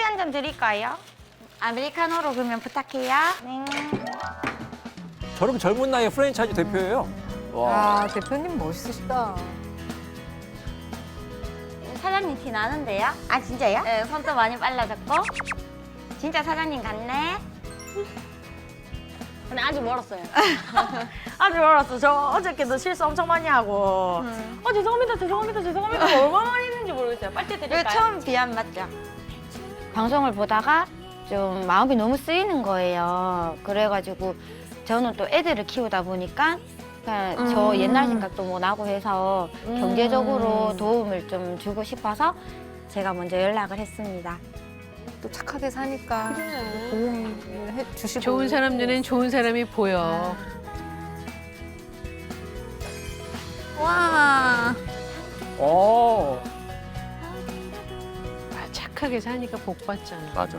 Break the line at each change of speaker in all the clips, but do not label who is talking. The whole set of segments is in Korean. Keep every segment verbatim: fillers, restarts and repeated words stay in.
한 잔 드릴까요? 아메리카노로 그러면 부탁해요. 네.
저렇게 젊은 나이에 프랜차이즈 대표예요. 와.
아, 대표님 멋있으시다.
사장님 티 나는데요? 아 진짜요? 네, 손도 많이 빨라졌고. 진짜 사장님 같네.
근데 아직 멀었어요. 아직 멀었어. 저 어저께도 실수 엄청 많이 하고.
음.
어 죄송합니다, 죄송합니다, 죄송합니다. 얼마나 많이 했는지 모르겠어요. 빨대
이거
드릴까요?
처음 비안 맞죠? 방송을 보다가 좀 마음이 너무 쓰이는 거예요. 그래가지고 저는 또 애들을 키우다 보니까 그냥 저
음.
옛날 생각도 뭐 나고 해서
음.
경제적으로 도움을 좀 주고 싶어서 제가 먼저 연락을 했습니다.
또 착하게 사니까 도움을 해 주시고.
좋은 사람 눈엔 좋은 사람이 보여.
와.
어.
아, 착하게 사니까 복 받잖아.
맞아.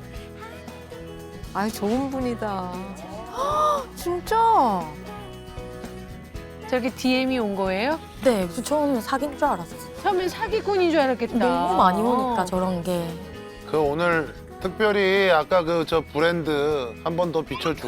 아유, 좋은 분이다. 헉, 진짜?
저렇게 디엠이 온 거예요?
네, 그 처음에 사귄 줄 알았어요.
처음엔 사기꾼인 줄 알았겠다.
너무 많이 오니까 저런 게.
그 오늘 특별히 아까 그 저 브랜드 한 번 더 비춰주고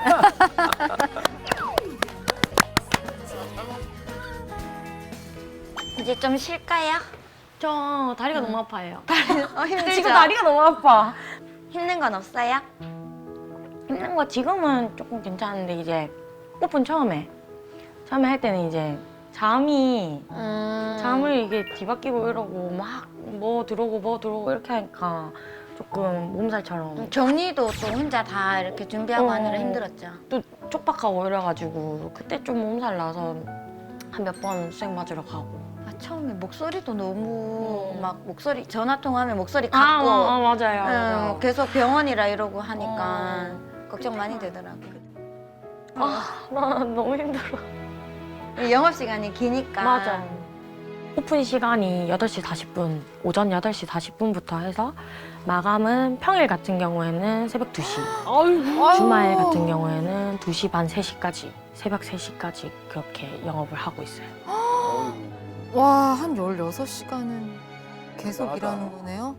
이제 좀 쉴까요?
저 다리가 너무 아파요.
어, 힘들죠?
지금 다리가 너무 아파.
힘든 건 없어요?
힘든 거 지금은 조금 괜찮은데 이제 오픈 처음에 처음에 할 때는 이제 잠이
음...
잠을 이게 뒤바뀌고 이러고 막 뭐 들어오고 뭐 들어오고 이렇게 하니까 조금 몸살처럼
정리도 또 혼자 다 이렇게 준비하고
어.
하느라 힘들었죠.
또 촉박하고 이래가지고 그때 좀 몸살 나서 한 몇 번 수액 맞으러 가고.
아, 처음에 목소리도 너무 막 목소리 전화 통화하면 목소리
아,
같고
어, 어, 맞아요.
응,
맞아요.
계속 병원이라 이러고 하니까 걱정 많이 되더라고요.
아, 나 너무 힘들어.
영업 시간이 기니까.
맞아. 오픈 시간이 여덟 시 사십 분, 오전 여덟 시 사십 분부터 해서 마감은 평일 같은 경우에는 새벽 두 시, 주말 같은 경우에는 두 시 반, 세 시까지, 새벽 세 시까지 그렇게 영업을 하고 있어요.
와, 한 열여섯 시간은 계속
대단하다.
일하는 거네요?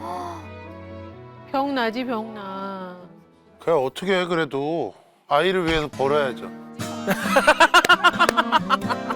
병나지 병나.
그냥 어떻게 해 그래도 아이를 위해서 벌어야죠.